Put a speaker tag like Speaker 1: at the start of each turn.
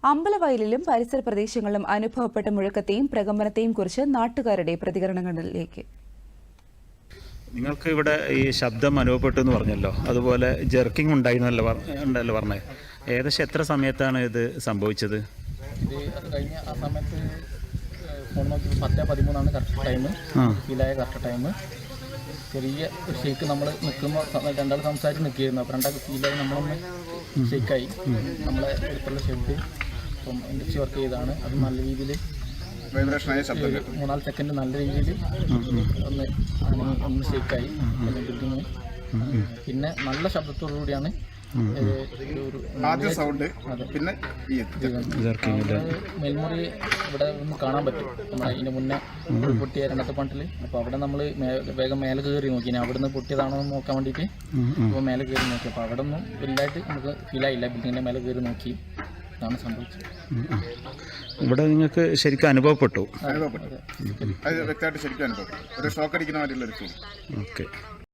Speaker 1: അമ്പലവയലിലും പരിസര പ്രദേശങ്ങളിലും അനുഭവപ്പെട്ട മുഴക്കത്തെയും പ്രകമ്പനത്തെയും കുറിച്ച് നാട്ടുകാരുടെ പ്രതികരണങ്ങളിലേക്ക്.
Speaker 2: നിങ്ങൾക്ക് ഇവിടെ ഈ ശബ്ദം അനുഭവപ്പെട്ടു എന്ന് പറഞ്ഞല്ലോ, അതുപോലെ ജെർക്കിംഗ് ഉണ്ടല്ലോ പറഞ്ഞത്. ഏകദേശം എത്ര സമയത്താണ് ഇത് സംഭവിച്ചത്?
Speaker 3: ഇത് കഴിഞ്ഞ ആ സമയത്ത് ഫോൺ നോക്കി 10:13 കറക്റ്റ് ടൈം, ഫീലായ കറക്റ്റ് ടൈം. ചെറിയ ഒരു ഷേക്ക് നമ്മൾ നിൽക്കുമ്പോൾ രണ്ടാൾ സംസാരിച്ച് നിൽക്കുകയായിരുന്നു. അപ്പോൾ രണ്ടാൾക്ക് ഫീലായി നമ്മളൊന്ന് ഷേക്കായി. നമ്മളെ അടുത്തുള്ള ഷെഡ് ഇപ്പം ഇൻഡസ്ട്രി വർക്ക് ചെയ്താണ്. അത് നല്ല രീതിയിൽ 3-4 സെക്കൻഡ് നല്ല രീതിയിൽ ഒന്ന് ഷേക്കായി ബിൽഡിങ്. പിന്നെ നല്ല ശബ്ദത്തോടുകൂടിയാണ് മേൽമുറി ഇവിടെ ഒന്ന് കാണാൻ പറ്റും. നമ്മൾ അതിന് മുന്നേ പൊട്ടിയ രണ്ടാമത്തെ പണ്ടിൽ. അപ്പോൾ അവിടെ നമ്മൾ വേഗം മേലെ കയറി നോക്കി. അവിടെ നിന്ന് പൊട്ടിയതാണോ എന്ന് നോക്കാൻ വേണ്ടിയിട്ട് അപ്പോൾ മേലെ കയറി നോക്കി. അപ്പോൾ അവിടെ ഒന്നും വലുതായിട്ട് നമുക്ക് ഫീലായില്ല. ബിൽഡിങ്ങിൻ്റെ മേലെ കയറി നോക്കി. ഇതാണ് സംഭവിച്ചത്.
Speaker 2: ഇവിടെ നിങ്ങൾക്ക് ശരിക്കും അനുഭവപ്പെട്ടു?
Speaker 4: വ്യക്തമായിട്ട് ശരിക്കും അനുഭവപ്പെട്ടു. ഒരു ഷോക്ക് അടിക്കുന്ന മാതിരിയുള്ള ഒരു ഫീൽ.
Speaker 2: ഓക്കെ.